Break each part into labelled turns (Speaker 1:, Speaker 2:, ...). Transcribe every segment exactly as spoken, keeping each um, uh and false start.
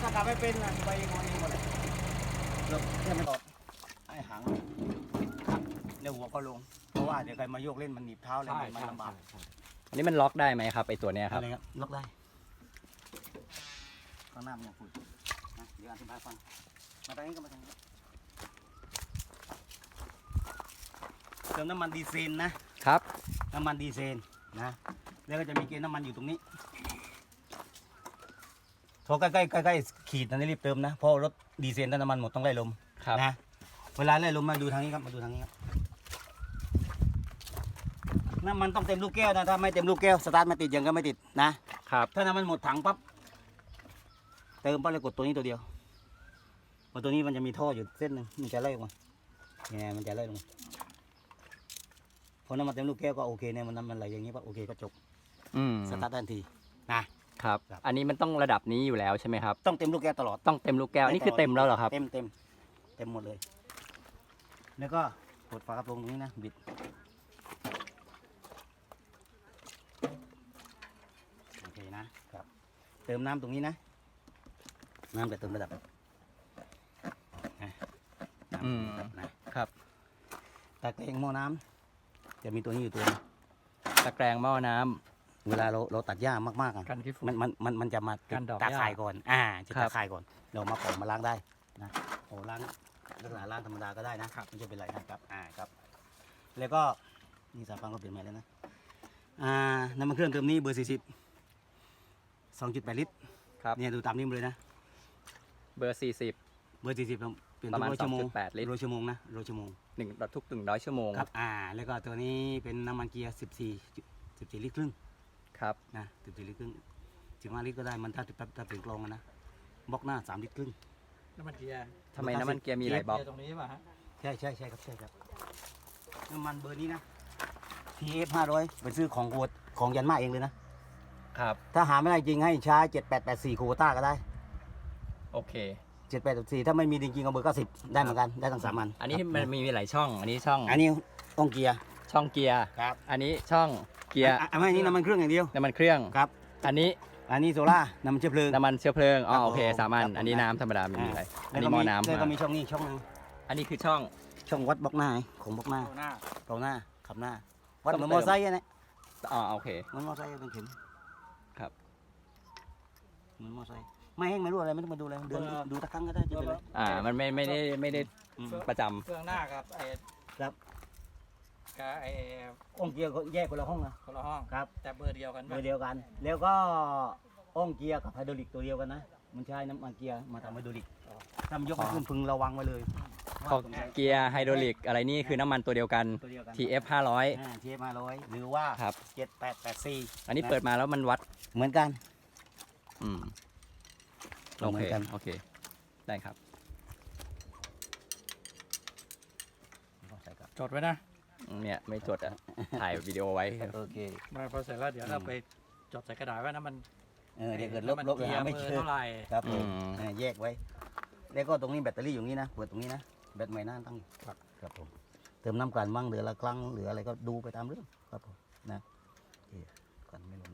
Speaker 1: ากลับไม่เป็นนะไปงอนเองหมดเลยเราแค่ไม่ตอดไอ้หางครับเดี๋ยวหัวก็ลงเพราะว่าเดี๋ยวใครมาโยกเล่นมันหนีบเท้าเลยมันลำบาก
Speaker 2: อันนี้มันล็อกได้ไหมครับไอตัวเนี้ยครับ
Speaker 1: อะไรครับล็อกได้ข้างหน้ามันยังฝุ่นนะเดี๋ยวอธิบายฟังมาทางนี้ก็มาทางนี้เติมน้ำมันดีเซลนะครับน้ำมันดีเซลนะแล้วก็จะมีเกณฑ์น้ำมันอยู่ตรงนี้พอใกล้ๆใกล้ๆขีดนั้นรีบเติมนะเพราะรถดีเซลถ้าน้ำมันหมดต้องไล่ลมนะเวลาไล่ลมมาดูทางนี้ครับมาดูทางนี้ครับน้ำมันต้องเต็มลูกแก้วนะถ้าไม่เต็มลูกแก้วสตาร์ทไม่ติดยังก็ไม่ติดนะครับถ้าน้ำมันหมดถังปั๊บเติมปั๊บเลยกดตัวนี้ตัวเดียวพอตัวนี้มันจะมีท่ออยู่เส้นหนึ่งมันจะไล่ลงมาเนี่ยมันจะไล่ลงมาพอน้ำมันเต็มลูกแก้วก็โอเคเนี่ยมันน้ำมันไหลอย่างนี้ปั๊บโอเคก็จบ
Speaker 2: อืม
Speaker 1: สตาร์ททันทีนะครับ
Speaker 2: อันนี้มันต้องระดับนี้อยู่แล้วใช่ไหมครับ
Speaker 1: ต้องเต็มลูกแก้วตลอด
Speaker 2: ต้องเต็มลูกแก้วอันนี้คือเต็มแล้วเหรอครับ
Speaker 1: เต็มเต็มเต็มหมดเลยแล้วก็กดฝากระโปรงตรงนี้นะบิดโอเคนะครับเติมน้ำตรงนี้นะน้ำจะเติมระดับนะน้ำ
Speaker 2: อืม
Speaker 1: นะครับตะเกียงหม้อน้ำจะมีตัวนี้อยู่ตัว
Speaker 2: ตะแกรงหม้อน้ำ
Speaker 1: เวลาเราเราตัดหญ้ามากๆอ่ะ
Speaker 2: กันขี้ฝุ่น
Speaker 1: มันมันมันมันจะมา
Speaker 2: กันดอก
Speaker 1: ตา
Speaker 2: หญ้า
Speaker 1: ข่ายก่อนอ่าจะ
Speaker 2: ครั
Speaker 1: ตา
Speaker 2: บ
Speaker 1: ข่ายก่อนเรามาปอกมาล้างได้นะโอ้ล้างลักษณะล้างธรรมดาก็ได้นะไม่ใช่เป็นไรนะครับอ่าครับแล้วก็นี่สายฟังก็เปลี่ยนใหม่แล้วนะอ่าน้ำมันเครื่องเติมนี้เบอร์สี่สิบสองจุดแปดลิตร
Speaker 2: ครับ
Speaker 1: เนี่ยดูตามนี้มาเลยนะ
Speaker 2: เบอร์สี่สิบ
Speaker 1: เบอร์สี่สิบเปลี่ยน
Speaker 2: ประ
Speaker 1: ทุ
Speaker 2: มาณ
Speaker 1: กร้อยชั่วโมง
Speaker 2: สองจุดแปดลิตร
Speaker 1: ร้อยชั่วโมงนะร้อยชั่วโมง
Speaker 2: หนึ่งทุกหนึ่งร้อยชั่วโมง
Speaker 1: ครับอ่าแล้วก็ตัวนี้เป็นน้ำมันเกียร์สิบสี่สิบสี่ลิตรครึ่ง
Speaker 2: ครับ
Speaker 1: นะสิบสี่ลิตรครึ่งสิบห้าลิตรก็ได้มันถ้าถ้าถ้าเป็นกลองอะนะบล็อกหน้าสามลิตรครึ่ง
Speaker 3: น้ำมันเกียร์
Speaker 2: ทำไมน้ำมันเกียร์มีหลายบล็อก
Speaker 3: เกียร์ตรงนี้ป่ะฮะ
Speaker 1: ใช่ใช่ใช่ครับใช่ครับน้ำมันเบอร์นี้นะ ที เอฟ ห้าร้อยไปซื้อของโคตของยันมาเองเลยนะครับ ถ้าหาไม่ได้จริงให้ใช้เจ็ดแปดแปดสี่โควต้าก็ได้
Speaker 2: โอเค
Speaker 1: เจ็ดแปดแปดสี่ถ้าไม่มีจริงๆเอาเบอร์เก้าสิบได้เหมือนกันได้ทั้งสามอัน
Speaker 2: อันนี้
Speaker 1: ครับ
Speaker 2: มันมีหลายช่อง อันนี้ช่อง
Speaker 1: อันนี้ต้องเกียร์
Speaker 2: ช่องเกียร์
Speaker 1: ครับ
Speaker 2: อันนี้ช่องเกียร์
Speaker 1: อันไม่นี่น้ำมันเครื่องอย่างเดียว
Speaker 2: น้ำมันเครื่อง
Speaker 1: ครับ
Speaker 2: อันนี้
Speaker 1: อันนี้โซล่าน้ำมันเชื้อเพลิง
Speaker 2: น้ำมันเชื้อเพลิง อ๋อ
Speaker 1: ครับ
Speaker 2: โอเค
Speaker 1: ผม
Speaker 2: สามอัน
Speaker 1: ครับผม
Speaker 2: อันนี้น้ำธรรมดาไม่มีอะไร อัน
Speaker 1: แล้ว
Speaker 2: นี้
Speaker 1: ก็
Speaker 2: หม้อ
Speaker 1: มี
Speaker 2: น้ำ
Speaker 1: แล้วก็
Speaker 2: มา
Speaker 1: มีช่องนี้ช่องนึง
Speaker 2: อันนี้คือช่อง
Speaker 1: ช่องวัดบล็อกหน้าของบล็อกหน้า
Speaker 3: เอาหน้า
Speaker 1: เกาหน้าขับหน้าวัด
Speaker 2: ต้อง
Speaker 1: เหมือน
Speaker 2: เติ
Speaker 1: ม
Speaker 2: ม
Speaker 1: อไซค์อะเนี่ย
Speaker 2: อ๋อโอเค
Speaker 1: เหมือนมอไซค์เป็นเข็ม
Speaker 2: ครับ
Speaker 1: เหมือนมอไซค์ไม่แห้งไม่รู้อะไรไม่ต้องมาดูอะไรเดินดูดูตะครั้งก็ได้จะเป็นไร
Speaker 2: อ่า มันไม่ไม่ได้ไม่ได้
Speaker 1: อืม
Speaker 2: ประจำ
Speaker 3: เครื่องหน้ากับไอ้
Speaker 1: ครับ
Speaker 3: กับไอ้
Speaker 1: อ้องเกียร์ก็แยกคนละห้องนะ
Speaker 3: คนละห้อง
Speaker 1: ครับ
Speaker 3: แต่เบอร์เดียวกัน
Speaker 1: เบ
Speaker 3: ป่ะ
Speaker 1: อร์เดียวกัน แล้วก็อ้องเกียร์กับไฮดรอลิกตัวเดียวกันนะมันใช้น้ำมันเกียร์มาทำไฮดรอลิกทำยกไปขึ้นพึงระวังไว้เลย
Speaker 2: พอเกียร์ไฮดรอลิกอะไรนี่คือน้ำมันตัวเดียวกัน
Speaker 1: ตัวเดียวกัน
Speaker 2: ที เอฟ ห้าร้อย
Speaker 1: อ่าทีเอฟห้าร้อยหรือว่า
Speaker 2: ครับ
Speaker 1: เจ็ดแปดแปดสี่
Speaker 2: อันนี้เปิดมาแล้วมันวัด
Speaker 1: เหมือนกัน
Speaker 2: อืม โอ
Speaker 1: เหมื
Speaker 2: เค
Speaker 1: อนกัน
Speaker 2: โอเค ได้ครับ
Speaker 1: ใส่ครับ
Speaker 3: จดไว้นะ
Speaker 2: เนี่ยไม่จดอ่ะ ถ่ายวิดีโอไว้
Speaker 1: โอเค
Speaker 3: มาพอเสร็จแล้วเดี๋ยวเราไปจดใส่กระดาษไว้นะมัน
Speaker 1: เออเดี๋ยวเกิดลบ
Speaker 3: น้ำมัน
Speaker 1: ลบเลย
Speaker 3: เกีย
Speaker 1: หา
Speaker 3: ร์
Speaker 1: ไม่
Speaker 3: เบอ
Speaker 1: เจ
Speaker 3: ร์
Speaker 1: อ
Speaker 3: เท่าไหร่
Speaker 1: ครับผม
Speaker 2: อืม
Speaker 1: เออแยกไว้ แล้วก็ตรงนี้แบตเตอรี่อยู่นี้นะเปิดตรงนี้นะแบตใหม่หน้าตั้งอยู่ครับครับผมเติมน้ำกันบ้างเหลือละครั้งเหลืออะไรก็ดูไปตามเรื่องครับผมนะโอเคก่อนไม่ลง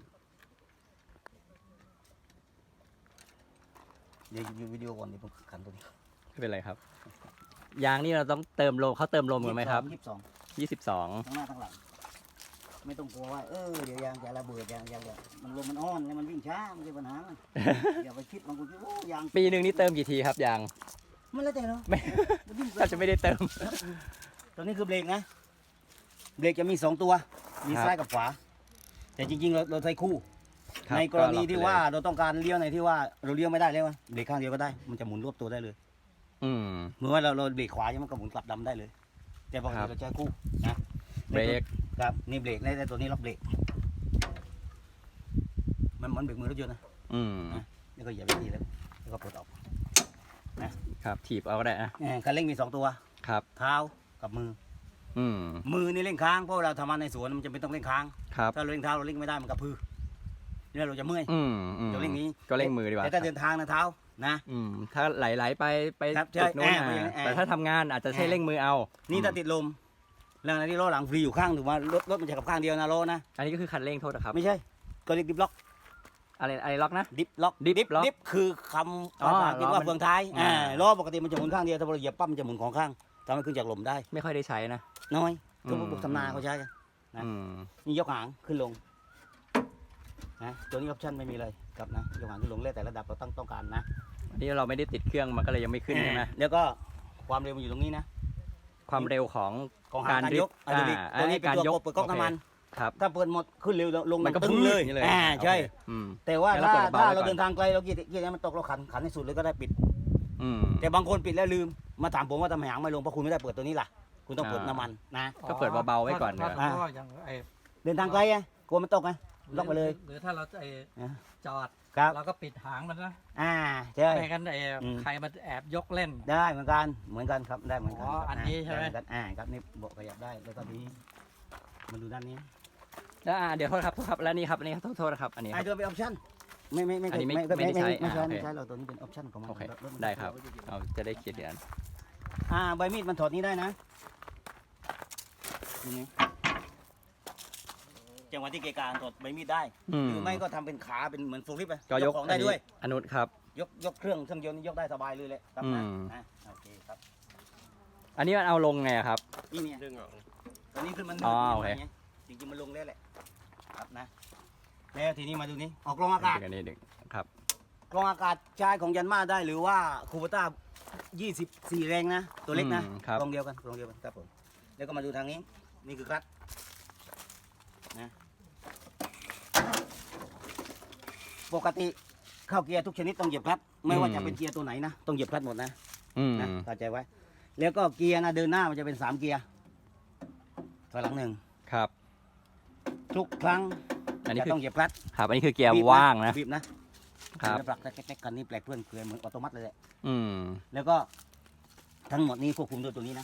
Speaker 1: เดี๋ยวดูวิดีโอก่อนเดี๋ยวผมขันตัวนี้
Speaker 2: ไม่เป็นไรครับ ยางนี่เราต้องเติมลมเขาเติมลมกันไหมครับ
Speaker 1: ยี่สิบสอง
Speaker 2: ยี่สิบสอง
Speaker 1: ทั้งหน้าทั้งหลังไม่ต้องกลัวว่าเออเดี๋ยวยางจะระเบิดยางยางเนี่ยมันลมมันอ่อนแล้วมันวิ่งช้าไม่ใช่ปัญหา อย่าไปคิดบางคนคิดโอ้ยาง
Speaker 2: ปีหนึ่งนี่เติมกี่ทีครับยาง
Speaker 1: มันแล้วแต่เนาะ
Speaker 2: ไม่
Speaker 1: มันวิ่ง
Speaker 2: ถ้าจะไม่ได้เติม
Speaker 1: ตัวนี้คือเบรกนะเบรกจะมีสองตัวมี
Speaker 2: ครับ
Speaker 1: ซ้ายกับขวาแต่จริงๆเราเราใช้คู่
Speaker 2: ครับ
Speaker 1: ในกรณี
Speaker 2: ก็ล็อกไป
Speaker 1: ที่
Speaker 2: เลย
Speaker 1: ว่าเราต้องการเลี้ยวในที่ว่าเราเลี้ยวไม่ได้แล้วอะเบรกข้างเดียวก็ได้มันจะหมุนรวบตัวได้เลย
Speaker 2: อืม
Speaker 1: เหมือนว่าเราเราเบรกขวาใช่ไหมมันก็หมุนกลับดำได้เลย แต่ปก
Speaker 2: ครั
Speaker 1: ติ
Speaker 2: บ
Speaker 1: เราใช้คู่นะ
Speaker 2: เบรก
Speaker 1: ครับนี่เบรกในตัวนี้ล็อกเบรกมันเหมือนเบรกมือรถยนต์นะ
Speaker 2: อืม
Speaker 1: นี่ก็อย่าไปทีแล้วแล้วก็ปลดออก
Speaker 2: ครับ ถีบเอาก็ได้นะ
Speaker 1: เออคันเร่งมีสองตัว
Speaker 2: ครับ
Speaker 1: เท้ากับมือ
Speaker 2: อืม
Speaker 1: มือนี่เร่งค้างเพราะเราทำงานในสวนมันจะเป็นต้องเร่งค้าง
Speaker 2: ครับ
Speaker 1: ถ้าเราเร่งเท้าเราเร่งไม่ได้มันกระพือเนี่ยเราจะเมื่อย
Speaker 2: อืมอืม
Speaker 1: เราเร่งนี้
Speaker 2: ก็เร่งมือดีกว่า
Speaker 1: แต่ถ้าเดินทางนะเท้านะ
Speaker 2: อืม ถ้าไหลๆไปไป
Speaker 1: ครับใช่
Speaker 2: จุดนู้น
Speaker 1: แอบไป
Speaker 2: นะ
Speaker 1: แอบ
Speaker 2: แต่ถ้าทำงานอาจจะใช้เร่งมือเอา
Speaker 1: นี่ถ้า
Speaker 2: อืม
Speaker 1: ติดลมแล้วในที่ล้อหลังฟรีอยู่ข้างถือว่ารถรถมันจะกับข้างเดียวนะล้อนะ
Speaker 2: อันนี้ก็คือคันเร่งโทษนะครับ
Speaker 1: ไม่ใช่ก็เรียกดิบล็อก
Speaker 2: อะไรอะไรล็อกนะ
Speaker 1: ดิฟล็อก
Speaker 2: Dip lock
Speaker 1: ดิฟคือคำ
Speaker 2: อ๋อ
Speaker 1: ภาษาอังกฤษ
Speaker 2: ล้อ
Speaker 1: ว่า
Speaker 2: มัน
Speaker 1: เฟืองท้าย
Speaker 2: อ่า
Speaker 1: อ่าล้อปกติมันจะหมุนข้างเดียวถ้าเราเหยียบปั๊บมันจะหมุนของข้างทำให้ขึ้นจากลมได้
Speaker 2: ไม่ค่อยได้ใช้นะ
Speaker 1: น้อยทุก
Speaker 2: อืม
Speaker 1: พวกทำนาเขาใช้กัน นะ
Speaker 2: อืม
Speaker 1: นี่ยกหางขึ้นลงนะตัวนี้ออปชั่นไม่มีเลยครับนะยกหางขึ้นลงแล้วแต่ระดับเราต้องต้องการนะ
Speaker 2: อันนี้เราไม่ได้ติดเครื่องมันก็เลยยังไม่ขึ้นใช่ไหม
Speaker 1: แล้วก็ความเร็วมันอยู่ตรงนี้นะ
Speaker 2: ความเร็วของ
Speaker 1: ของหางการยก
Speaker 2: การ
Speaker 1: อ่ะ
Speaker 2: drift
Speaker 1: ตัวนี้ตัวนี้เป็น
Speaker 2: การ
Speaker 1: ตัวย
Speaker 2: ก
Speaker 1: กเปิดก๊อกน้ำมัน
Speaker 2: ครับ
Speaker 1: ถ้าเปิดหมดขึ้นเร็วลง
Speaker 2: มันก็
Speaker 1: ตึ้ง
Speaker 2: พื้น
Speaker 1: เลย
Speaker 2: อย่างนี้เลย
Speaker 1: อ่าใช่
Speaker 2: โอเคอืม
Speaker 1: แต่ว่า
Speaker 2: งั้นเรา
Speaker 1: ถ้า
Speaker 2: เปิดเบา
Speaker 1: ถ้า
Speaker 2: ไว้
Speaker 1: เรา
Speaker 2: ก่อน
Speaker 1: เดินทางไกลเราเกียร์เกียร์นี้มันตกเราขันขันให้สุดเลยก็ได้ปิด
Speaker 2: อืม
Speaker 1: แต่บางคนปิดแล้วลืมมาถามผมว่าทำไมหางไม่ลงเพราะคุณไม่ได้เปิดตัวนี้ล่ะคุณต้องเปิด
Speaker 2: อ่า
Speaker 1: น้ำมันนะ
Speaker 2: ก็เปิดเบาๆไว้ก่อน
Speaker 3: เพราะ
Speaker 2: เนอะ
Speaker 3: เพราะว่าอย่างไอ้
Speaker 1: เดินทางไกลไงกลัวมันตกไง ล็อกไปเลย
Speaker 3: หรือถ้าเราไอ้
Speaker 1: อ่ะ
Speaker 3: จอด
Speaker 1: ครับ
Speaker 3: เราก็ปิดหางมันนะ
Speaker 1: อ่าใช่
Speaker 3: ไม่งั้นไอ้
Speaker 1: อืม
Speaker 3: ใครมันแอบยกเล่น
Speaker 1: ได้เหมือนกันเหมือนกันครับได้เหมือนกั
Speaker 3: อ๋อ
Speaker 1: ครับ
Speaker 3: อันนี้ใช่ไหม
Speaker 1: ด้เอนกันอ่าครับนี่โบกขยับได้แล้วก็นี้มาดูด้านนี้
Speaker 2: แล้วอ่าเดี๋ยวโทษครับโทษครับแล้วนี่ครับอันนี้ครับโทษโทษนะครับอันนี้ค
Speaker 1: ไอ้
Speaker 2: รับ
Speaker 1: ตัวเป็นออปชั่นไม่ไม่ไม่
Speaker 2: อันนี้ไม่
Speaker 1: ไม่
Speaker 2: ไม่ได้ใช้
Speaker 1: ไม่ใช่
Speaker 2: อ่าโอเค
Speaker 1: ไม่ใช่เราตัวนี้เป็นออปชั่นของมัน
Speaker 2: โอเค
Speaker 1: ถมัน
Speaker 2: ได้ครับเอาจะได้เขียนเดือน
Speaker 1: อ่าใบมีดมันถอดนี้ได้นะนี่จังหวะที่เกะการถอดใบมีดได้
Speaker 2: อืม
Speaker 1: หรือไม่ก็ทำเป็นขาเป็นเหมือนฟูลลิฟต์ไป
Speaker 2: ก็ยก
Speaker 1: ของได้ด้วย
Speaker 2: อนุครับ
Speaker 1: ยกยกเครื่องเครื่องยนต์นี่ยกได้สบายเลยแหละครับนะ
Speaker 2: อืม
Speaker 1: นะโอเคครับ
Speaker 2: อันนี้มันเอาลงไงอะครับ
Speaker 1: นี่เนี่ย
Speaker 4: ดึงออก
Speaker 1: ตัวนี้ขึ้นมัน
Speaker 2: อ๋อโอเค
Speaker 1: จริงๆมันลงแล้วแหละครับนะแล้วทีนี้มาดูนี้ออกกรองอากาศ
Speaker 2: ดึงอันนี้ดึงครับ
Speaker 1: กรองอากาศใช้ของยันมาได้หรือว่าคูเปต้ายี่สิบสี่แรงนะ ตัวเล็กนะ
Speaker 2: อืมครับ
Speaker 1: กรองเดียวกันกรองเดียวกันครับผมแล้วก็มาดูทางนี้นี่คือคลัตช์นะปกติเข้าเกียร์ทุกชนิดต้องเหยียบคลัตช์ไม่ว่าจะเป็นเกียร์ตัวไหนนะต้องเหยียบคลัตช์หมดนะ
Speaker 2: อืม
Speaker 1: นะเข้าใจไว้ แล้วก็เกียร์นะเดินหน้ามันจะเป็นสามเกียร์ถอยหลังหนึ่ง
Speaker 2: ครับ
Speaker 1: ทุกครั้ง
Speaker 2: อันนี้
Speaker 1: จะ
Speaker 2: คือ
Speaker 1: ต้องเหยียบคลัตช์
Speaker 2: ครับอันนี้คือเกียร์
Speaker 1: บีบ
Speaker 2: ว่างนะ
Speaker 1: บีบนะครับ แล้วปลักแก๊กๆกันนี่แปลกเพื่อนเกลือเหมือนออโตมัติเลยแหละ
Speaker 2: อืม
Speaker 1: แล้วก็ทั้งหมดนี้ควบคุมด้วยตัวนี้นะ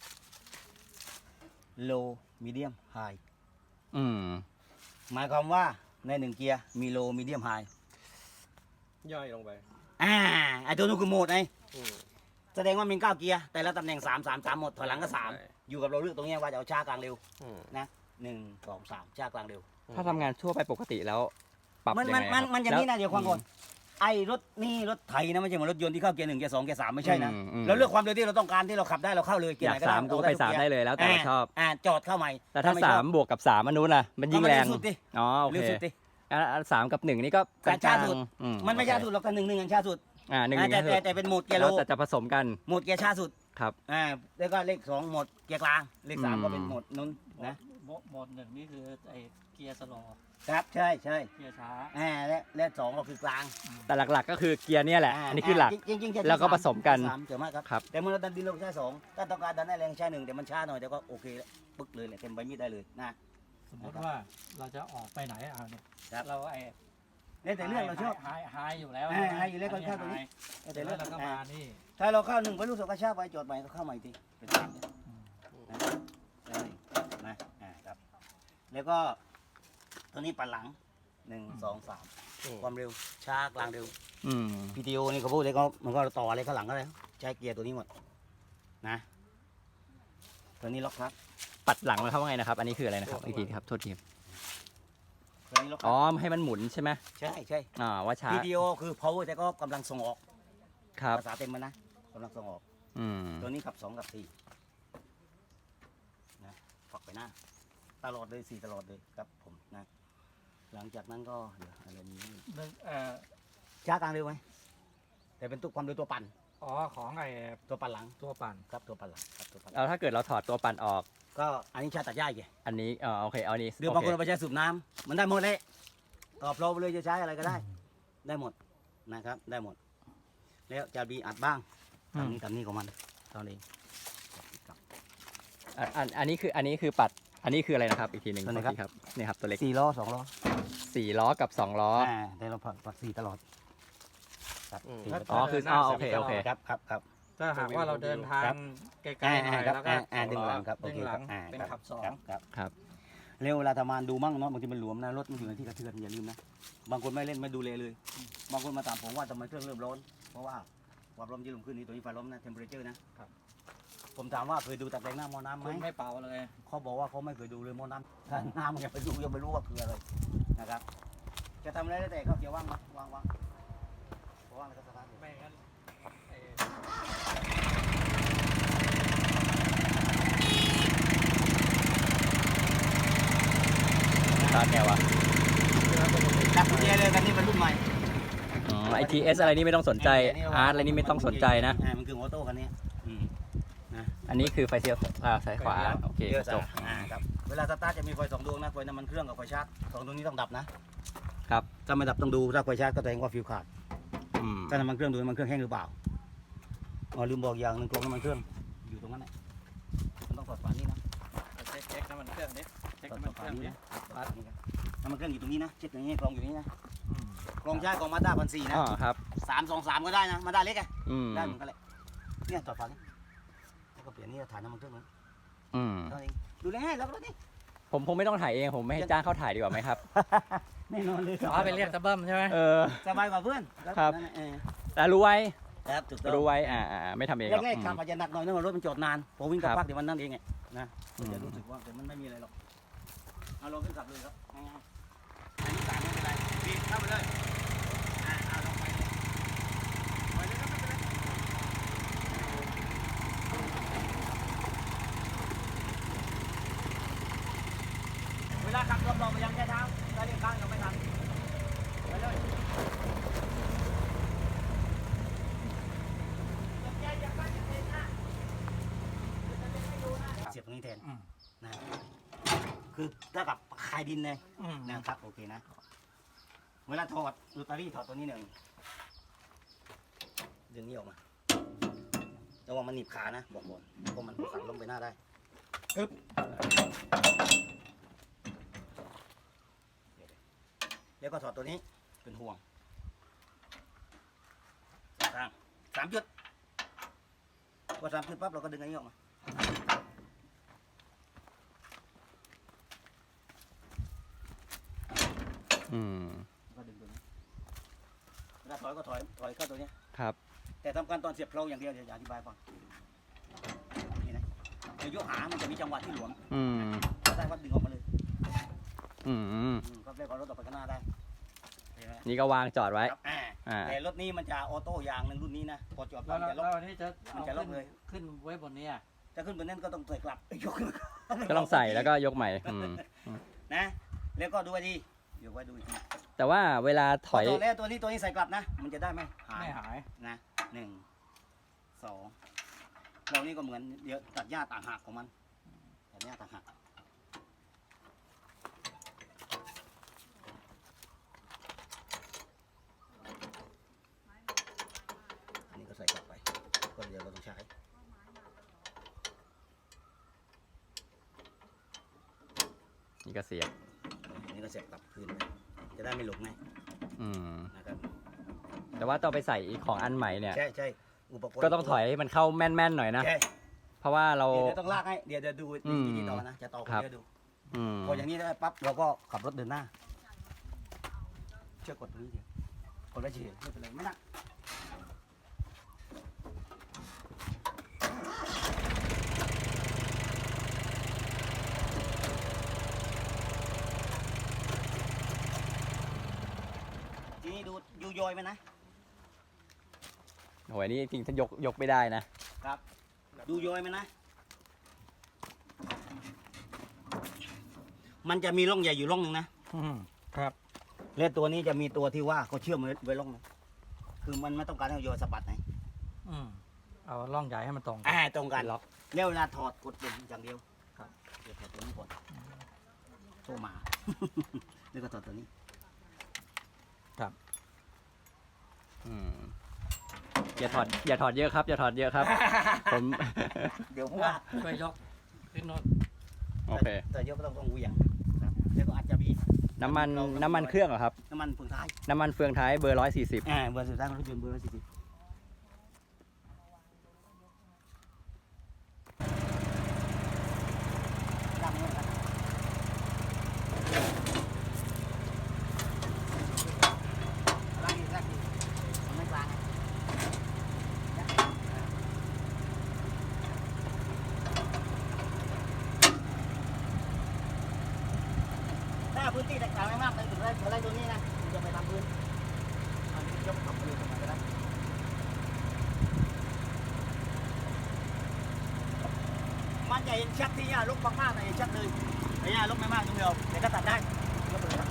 Speaker 1: low medium high
Speaker 2: อืม
Speaker 1: หมายความว่าในหนึ่งเกียร์มี low medium high
Speaker 4: ย่อยลงไป
Speaker 1: อ่าไอตัวนู้นคือโหมดไง
Speaker 4: อืม
Speaker 1: แสดงว่ามีเก้าเกียร์แต่ละตำแหน่งสามสามสามหมดถอยหลังก็สาม
Speaker 4: ใช่
Speaker 1: อยู่กับเราเลือกตรงเนี้ยว่าจะเอาช้ากลางเร็ว
Speaker 4: อืม
Speaker 1: หนึ่งสองสามช้ากลางเร็ว
Speaker 2: ถ้าทำงานทั่วไปปกติแล้ว ปรับ
Speaker 1: มัน
Speaker 2: ยัง
Speaker 1: มั
Speaker 2: ไง
Speaker 1: น
Speaker 2: ค
Speaker 1: มั
Speaker 2: รั
Speaker 1: น
Speaker 2: บ
Speaker 1: มันอย่างนี้นะ
Speaker 2: แล้ว
Speaker 1: เดี๋ยวความก่อนไอ้รถนี่รถไถนะไม่ใช่เหมือนรถยนต์ที่เข้าเกียร์หนึ่งเกียร์สองเกียร์สามไม่ใช่นะ
Speaker 2: อืมอืม
Speaker 1: เราเลือกความเร็วที่เราต้องการที่เราขับได้เราเข้าเลยเกีย
Speaker 2: อ
Speaker 1: ร์
Speaker 2: ยา
Speaker 1: ไห
Speaker 2: ก
Speaker 1: นก็ได้
Speaker 2: สามก็ไปสามได้เลยแล้วแต่เราชอบ
Speaker 1: อ่าจอดเข้าใหม่
Speaker 2: แต่ถ้า
Speaker 1: ไช
Speaker 2: สา
Speaker 1: อบ
Speaker 2: มบวกกับสามอันนู้นน่ะมันยิ่งแรง
Speaker 1: ก็มันเร็วสุดดิ
Speaker 2: อ๋อโอ
Speaker 1: เร็ว
Speaker 2: เค
Speaker 1: สุดดิ
Speaker 2: อ่ะอ่ะสามกับหนึ่งนี่ก็
Speaker 1: การช้าสุด
Speaker 2: อื
Speaker 1: มันไม่
Speaker 2: โอเค
Speaker 1: ช้าสุดหรอกแต่หนึ่งหนึ่งอันช้าสุด
Speaker 2: อ่าหนึ่งห
Speaker 1: อ่า
Speaker 2: นึ่ง
Speaker 1: แต่แต่แต่เป็นโหมดเกียร์โล
Speaker 2: แล้วแต่จะผสมกัน
Speaker 1: โหมดเกียร์ช้าสุด
Speaker 2: ครับ
Speaker 1: อ่าแล้วก็เลขสองโหมดเกียร์กลางเลขสาม
Speaker 2: อืม
Speaker 1: ก็เป็นโหมดนู้นนะ
Speaker 3: โหมดโหมดหนึ่งนี่คือไอ้เกียร์สโลว์
Speaker 1: ครับใช่ใช่
Speaker 3: เกียร์ช้า
Speaker 1: อ่าและและสองก็คือกลาง
Speaker 2: แต่หลักๆก็คือเกียร์เนี่ยแหละ อันนี้คือหลัก
Speaker 1: จริงๆจริงๆจะ
Speaker 2: แล้วก็ผสมกัน
Speaker 1: สามเจ๋งมากครับ
Speaker 2: ครับ
Speaker 1: แต่เมื่อเราดันดินเราใช้สองถ้าต้องการดันได้แรงใช้หนึ่งแต่มันช้าหน่อยแต่ก็โอเคแล้วปึ๊กเลยแหละเต็มใบมีดได้เลยนะ
Speaker 3: สมมติว่าเราจะออกไปไหนเอาเนี่ย
Speaker 1: ครับ
Speaker 3: เราไอ้
Speaker 1: แล้วแต่เรื่องเราชอบ
Speaker 3: ไฮไฮอยู่แล้ว
Speaker 1: อ่าไฮอยู่แล้วก็เข้าตัวนี้
Speaker 3: แต่
Speaker 1: แต่
Speaker 3: แล้
Speaker 1: เรื่
Speaker 3: ว
Speaker 1: อง
Speaker 3: เราก็
Speaker 1: อ่า
Speaker 3: มานี่
Speaker 1: ถ้าเราเข้าหนึ่งไปรู้สึกกระชากไปจอดใหม่ก็เข้าใหม่อีกทีเป็นสามเนี่ยนะได้นะอ่าครับแล้วก็ตัวนี้ปันหลังหนึ่งสองสาม
Speaker 4: อืม
Speaker 1: ความเร็วช้ากลางเร็ว
Speaker 2: อืม
Speaker 1: พี ที โอ นี่เขาพูดเลยก็มันก็ต่ออะไรข้างหลังก็ได้ใช้เกียร์ตัวนี้หมดนะตัวนี้ล็อกครับ
Speaker 2: ปัดหลังมันเข้าว่าไงนะครับ อันนี้คืออะไรนะครับอีกทีครับโทษทีครับ
Speaker 1: ตัวนี้ล็อกค
Speaker 2: อ๋อ
Speaker 1: รับ
Speaker 2: ให้มันหมุนใช่ไหม
Speaker 1: ใช่ใช่
Speaker 2: อ่าว่าช้า
Speaker 1: พี ที โอ คือ power แต่ก็กำลังส่งออก
Speaker 2: ครับ
Speaker 1: ภาษาเต็มมันนะกำลังส่งออก
Speaker 2: อืม
Speaker 1: ตัวนี้ขับสองกับสี่นะฝักไปหน้าตลอดเลยสี่ตลอดเลยครับผมนะหลังจากนั้นก็เดี๋ยวอะไรนี้
Speaker 3: หนึ่งเอ่อ
Speaker 1: ช้ากลางเร็วไหมแต่เป็นตัวความเร็วตัวปั่น
Speaker 3: อ๋อของไอ้
Speaker 1: ตัวปั่นหลัง
Speaker 3: ตัวปั่น
Speaker 1: ครับตัวปั่นหลังครับตัวปั่นหลัง
Speaker 2: เอาถ้าเกิดเราถอดตัวปั่นออก
Speaker 1: ก็อันนี้ชาตัดหญ้าไง
Speaker 2: อันนี้อ๋อโอเคเอาอันนี้
Speaker 1: หรือบางคนเอาไปใช้สูบน้ำมันได้หมดเลยต่อโปรไปเลยจะใช้อะไรก็ได้ ได้หมดนะครับได้หมด แล้วจะมีอัดบ้าง
Speaker 2: อื
Speaker 1: ทำ
Speaker 2: ม
Speaker 1: นี้ทำนี้ของมันตอนนี้
Speaker 2: อันอันอันนี้คืออันนี้คือปัด อันนี้คืออะไรนะครับ อีกทีหนึ่ง
Speaker 1: ตัวไหน
Speaker 2: ขออีกทีครับนี่ครับตัวเล็ก
Speaker 1: สี่ล้อสองล้อ
Speaker 2: สี่ล้อกับสองล้อ
Speaker 1: อ่าแต่เราผัดผัดสี่ตลอดครับ
Speaker 4: อืม
Speaker 1: สี่
Speaker 2: อ๋อคืออ๋อโอเคโอเค
Speaker 1: ครับครับครับ
Speaker 3: ถ้าหากว่าเราเดินทาง
Speaker 1: ครับ
Speaker 3: ไกลๆหน่อย
Speaker 1: ครับ
Speaker 3: แล้วก็
Speaker 1: อ่าอ่าดึงหลังครับ
Speaker 3: ดึงหลัง
Speaker 1: อ่า
Speaker 3: เป็น
Speaker 1: ครับ
Speaker 3: ขับสอง
Speaker 1: ครับครับ
Speaker 2: ครับ
Speaker 1: เร็วเวลาทำงานดูมั่งเนาะบางทีมันหลวมนะรถมันอยู่ในที่กระเทือนอย่าลืมนะบางคนไม่เล่นไม่ดูแลเลย บางคนมาถามผมว่าทำไมเครื่องเริ่มร้อนเพราะว่าความร้อนที่ลงขึ้นนี่ตัวนี้ไฟร้อนนะเทมเปอเรเจอร์นะครับ ผมถามว่าเคยดูตะแกรงหน้าหม้อน้ำไหม
Speaker 3: คุณไม่เป่าเลย
Speaker 1: เขาบอกว่าเขาไม่เคยดูเลยหม้อน้ำถ้าน้ำมันยังไปดูยังไม่รู้ว่าคืออะไรนะครับจะทำอะไรได้แต่เขาเกี่ยวว่างมาวางวางวางแล้วก็สตาร์ท
Speaker 3: ไม่งั้นเอ่อ
Speaker 2: สตาร์ทไงวะ
Speaker 1: ดับกุญแจเลยกันนี่มันรุ่นใหม่
Speaker 2: อ๋อไอทีเอสอะไรนี่ไม่ต้องสนใจอาร์ตอะไรนี่ไม่ต้องสนใจนะ
Speaker 1: อ่ามันคือออโต้คันนี้อืมนะ
Speaker 2: อันนี้คือไฟเสียวอ่าซ้ายขวาโอเค
Speaker 1: เดี๋ยว
Speaker 2: จบ
Speaker 1: อ่าครับเวลาสตาร์ทจะมีไฟสองดวงนะไฟน้ำมันเครื่องกับไฟชาร์จสองดวงนี้ต้องดับนะครับ ถ้าไม่ดับต้องดูถ้าไฟชาร์จก็แสดงว่าฟิวขาด
Speaker 2: อืม
Speaker 1: ถ้าน้ำมันเครื่องดูน้ำมันเครื่องแห้งหรือเปล่าอ๋อลืมบอกอย่างหนึ่งกรองน้ำมันเครื่องอยู่ตรงนั้นแหละมันต้องสอดฝานี่นะ
Speaker 3: เอาเช็คเช็คน้ำมันเครื่องดิเช็ค
Speaker 1: สอด
Speaker 3: น้ำมัน
Speaker 1: ฝา
Speaker 3: เครื่อง
Speaker 1: นี่
Speaker 3: ดิ
Speaker 1: นะสอดฝานี่นะน้ำมันเครื่องอยู่ตรงนี้นะเช็คอย่างนี้กรองอยู่นี่นะ
Speaker 3: อืม
Speaker 1: กรองใช้กรองมาด้าพันสี่นะ
Speaker 2: อ๋อครับ
Speaker 1: สามสองสามก็ได้นะมาด้าเล็กไง
Speaker 2: อืม
Speaker 1: ได้เหมือนกันแหละเนี่ยสอดฝานี่แล้วก็เปลี่ยนนี่ถ่ายน้ำมันเครื่องเลย
Speaker 2: อืม
Speaker 1: เท่านั้นเองดูแลให้แล้วก็นี่
Speaker 2: ผมคงไม่ต้องถ่ายเองผมไม่ให้จ้างเขาถ่ายดีกว่าไหมครับ
Speaker 1: แน่นอนเลย
Speaker 3: อ๋อไปเรียกตะเบิ้มใช่ไหม
Speaker 2: เออ
Speaker 1: สบายกว่าเพื่อน
Speaker 2: ครับ
Speaker 1: นั่นแหละเออ
Speaker 2: แต่รู้ไว้
Speaker 1: ครับถูกต้อง
Speaker 2: รู้ไว้อ่าอ่าไม่ทำเองหรอก
Speaker 1: แรกๆขับอาจจะหนักหน่อยเนื่องจากรถมันจอดนานพอวิ่งกับ
Speaker 2: ครับ
Speaker 1: พักเดี๋ยวมันนั่นเองไงนะ
Speaker 2: อืม
Speaker 1: จะรู้สึกว่าแต่มันไม่มีอะไรหรอกเอาลองขึ้นขับเลยครับง่ายๆอันนี้สามไม่เป็นไรบีบเข้าไปเลยอ่าเอาลองไปเลยไปเลยครับไม่เป็นไรเวลาขับรอบๆไปยังใช้เท้าถ้าเลี้ยวข้างยังไม่ทันไปเลยเสียบตรงนี้แทน
Speaker 3: อืม
Speaker 1: นะคือถ้ากับคายดินเลย
Speaker 3: อืม
Speaker 1: นะครับโอเคนะ เวลาถอดลอตเตอรี่ถอดตัวนี้หนึ่งดึงนี้ออกมาระวังมันหนีบขานะบอกก่อนเพราะมันสั่นลงไปหน้าได้ปึ๊บแล้วก็ถอดตัวนี้เป็นห่วงสามสามจุดพอสามจุดปั๊บเราก็ดึงอันนี้ออกมา
Speaker 2: อืม
Speaker 1: ก็ดึงตัวนี้เวลาถอยก็ถอยถอยเข้าตัวนี้
Speaker 2: ครับ
Speaker 1: แต่ทำการตอนเสียบเพลาอย่างเดียวเดี๋ยวอธิบายก่อนนี่นะเดี๋ยวยกหามันจะมีจังหวะที่หลวม
Speaker 2: อืม
Speaker 1: ถ้าได้วัดดึงออกมาเลย
Speaker 2: อืม
Speaker 1: อืมก็เรียกว่ารถออกไปข้างหน้าได้เห็นไหม
Speaker 2: นี่ก็วางจอดไว้
Speaker 1: ครับอ่า
Speaker 2: อ่า
Speaker 1: แต่รถนี้มันจะออโต้อย่างหนึ่งรุ่นนี้นะพอจอด
Speaker 3: แล้
Speaker 1: ปั๊
Speaker 3: ว
Speaker 1: บ
Speaker 3: แล้ว
Speaker 1: จะล็อก
Speaker 3: แล้วนี่จะ
Speaker 1: มันจะล็อกเลย
Speaker 3: ขึ้นไว้บนนี้อ่ะ
Speaker 1: จะขึ้นบนนั้นก็ต้องใส่กลับยกขึ้น
Speaker 2: ก็ต้องใส่แล้วก็ยกใหม่อืม
Speaker 1: นะแล้วก็ดูให้ดีเดี๋ยวไว้ดูอีกที
Speaker 2: แต่ว่าเวลาถอย
Speaker 1: พอแล้วตัวนี้ตัวนี้ใส่กลับนะ มันจะได้ไหมหาย
Speaker 3: ไม่หาย
Speaker 1: นะหนึ่งสองเรานี่ก็เหมือนเดี๋ยวตัดหญ้าต่างหากของมันตัดหญ้าต่างหากอันนี้ก็ใส่กลับไปก็เดี๋ยวเราต้องใช้
Speaker 2: นี่ก็เสียบ
Speaker 1: อันนี้ก็เสียบกลับคืนไปจะได้ไม่หลงไง
Speaker 2: อืม
Speaker 1: นะครับ
Speaker 2: แต่ว่าต้องไปใส่อีกของอันใหม่เนี่ย
Speaker 1: ใช่ใช่อุปกรณ์
Speaker 2: ก็ต้องถอยให้มันเข้าแม่นๆหน่อยนะ
Speaker 1: ใช่
Speaker 2: เพราะว่าเรา
Speaker 1: เดี๋ยวต้องลากให้เดี๋ยวจะดู
Speaker 2: อืม
Speaker 1: วิธีต่อนะจะต่อคน
Speaker 2: ครับ
Speaker 1: เดียวดู
Speaker 2: อืม
Speaker 1: พออย่างนี้ได้ปั๊บเราก็ขับรถเดินหน้า เชือกกดตรงนี้เดียวกดแล้วเฉยไม่เป็นไรไม่หนักทีนี้ดูยูโยอยไหมนะ
Speaker 2: โหยนี่จริงๆถ้ายกยกไม่ได้นะ
Speaker 1: ครับดูโยอยไหมนะ มันจะมีร่องใหญ่อยู่ร่องหนึ่งนะ
Speaker 3: อืมครับ
Speaker 1: และตัวนี้จะมีตัวที่ว่าเขาเชื่อมไว้ไว้ร่องนึงคือมันไม่ต้องการให้โยนสะบัดไหน
Speaker 3: อืมเอาล่องใหญ่ให้มันตรง
Speaker 1: อ่าตรงกัน
Speaker 2: ล็อก
Speaker 1: แล้วเวลาถอดกดเป็นอย่างเดียวครับเดี๋ยวถอดตัวนี้ก่อนโทรมา แล้วก็ถอดตัวนี้
Speaker 2: อืมอย่าถอดอย่าถอดเยอะครับ อย่าถอดเยอะครับ ผม
Speaker 1: เดี๋ยวพว่า
Speaker 3: ช่วยยกขึ้นโน้น
Speaker 2: โอเค
Speaker 1: แต่เยอะก็ต้องต้องเหวี่ยงครับแล้วก็อาจจะมี
Speaker 2: น้ำมัน
Speaker 1: เรา
Speaker 2: น้ำมันเครื่องเหรอครับ
Speaker 1: น้ำมันเฟืองท้าย
Speaker 2: น้ำมันเฟืองท้ายเบอร์ร้อยสี่สิบ
Speaker 1: อ่าเบอร์สุดท้ายของรถยนต์เบอร์สี่สิบล่างนี้นะครับล่างนี้ล่างนี้มันไม่กลางไง ถ้าพื้นที่แตกต่างไม่มากเลยถึงไรถึงไรตัวนี้นะจะไปทำพื้นอันนี้ยกขับไปเลยทำไมก็ได้มันจะเห็นชัดที่ย่าลกมากๆนะเห็นชัดเลยแต่ย่าลกไม่มากตรงเดียวเดี๋ยวก็ตัดได้ยกไปเลยครับ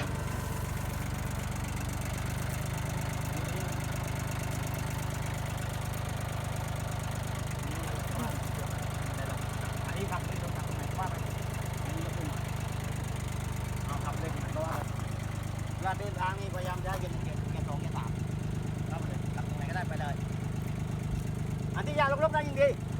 Speaker 1: อันนี้ขับเลยตรงขับตรงไหนว่าไปอันนี้ยกขึ้นมาเอาขับเลยเพราะว่าเวลาเดินทางนี่พยายามจะให้เกียร์เกียร์เกียร์สองเกียร์สามครับเลยขับตรงไหนก็ได้ไปเลยอันที่ยาลกๆได้ยิ่งดี